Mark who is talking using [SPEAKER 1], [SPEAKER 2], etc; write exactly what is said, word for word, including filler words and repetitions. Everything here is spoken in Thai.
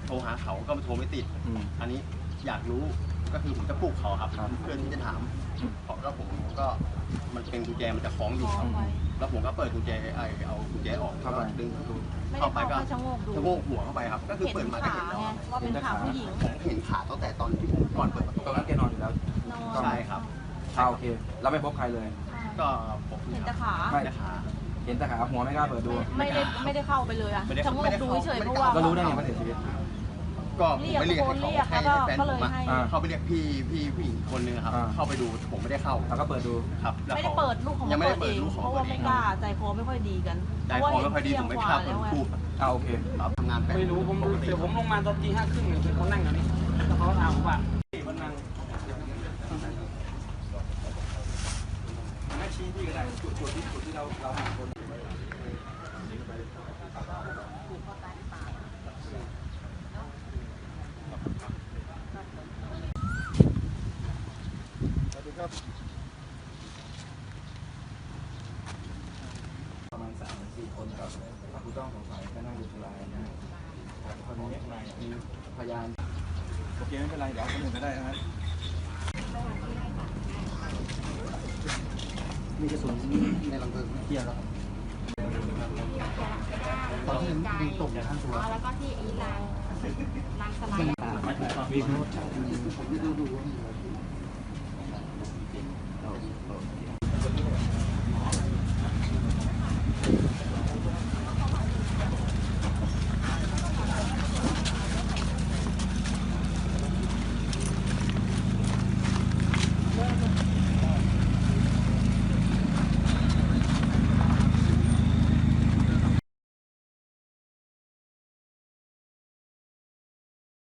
[SPEAKER 1] โทรหาเขาก็โทรไม่ติดอันนี้อยากรู้ก็คือผมจะปลุกเขาครับเพื่อที่จะถามเพราะแล้วผมก็มันเป็นกุญแจมันจะคล้องอยู่ครับแล้วผมก็เปิดกุญแจไอเอากุญแจออกแล้วก็ดึงประตูเข้าไปก็ชะโงกดูชะโงกหัวเข้าไปครับก็คือเปิดมาก็เห็นแล้ว
[SPEAKER 2] ว่าเป็นขาผู้หญิง
[SPEAKER 1] ผมเห็นขาตั้งแต่ตอนที่ผมก่อนเปิดประตู
[SPEAKER 3] ตอนนั้นแกนอนอยู่แล้ว
[SPEAKER 1] ใช่ครับ
[SPEAKER 3] โอเคเราไม่พบใครเลย
[SPEAKER 1] ก็ผม
[SPEAKER 2] เห็นแต่ขา
[SPEAKER 3] ไม่ขาเห็นแต่ขาหัวไม่กล้าเปิดดู
[SPEAKER 2] ไม่ได้ไม่ได้เข้าไปเลยอะชะโงกดูเฉยเพราะว่า
[SPEAKER 3] ก็รู้ได้ไงว่าเสียชีวิต
[SPEAKER 1] ก็ผมไม่เรียกให้เขาให้แฟนผมเข้าไปเรียกพี่พี่ผู้หญิงคนนึงครับเข้าไปดูผมไม่ได้เข้า
[SPEAKER 3] แล้วก็เปิดดู
[SPEAKER 1] ครับ
[SPEAKER 2] ไม่ได้เปิดลูกของ
[SPEAKER 1] ยังไม่ได้เปิดลูกของ
[SPEAKER 2] เพราะว่าไม่กล้าใจคอไม่ค่อยดีกัน
[SPEAKER 1] ใจคอไม่ค่อยดีผมไม่กล้าเปิดทูบ
[SPEAKER 3] อ่าโอเค
[SPEAKER 1] ครับทำงาน
[SPEAKER 4] ไม่รู้ผมเดี๋ยวผมลงมาตอนตีห้าครึ่งเนี่ยเขานั่งอย่างนี้แล้วเขาถามผมว่ามันนั่ง
[SPEAKER 3] ไม่ชี้ที่ก็ได้จุดจุดที่จุดที่เราเราหาคนประมาณสามสี่คนครับผู้ต้องสงสัยก็นั่งอยู่ที่ร้านนะครับคนนี้มีพยานโอเคไม่เป็นไรเดี๋ยวคนอื่นก็ได้นะครับมีกระสุนในหลังเพลิงเกี่ยวแล้วตอนที่ยิงตกในท่านตัว
[SPEAKER 2] แล้วก็ที่อีลางลางสไลด์
[SPEAKER 3] มีผม
[SPEAKER 1] ไม่ดูดูว่า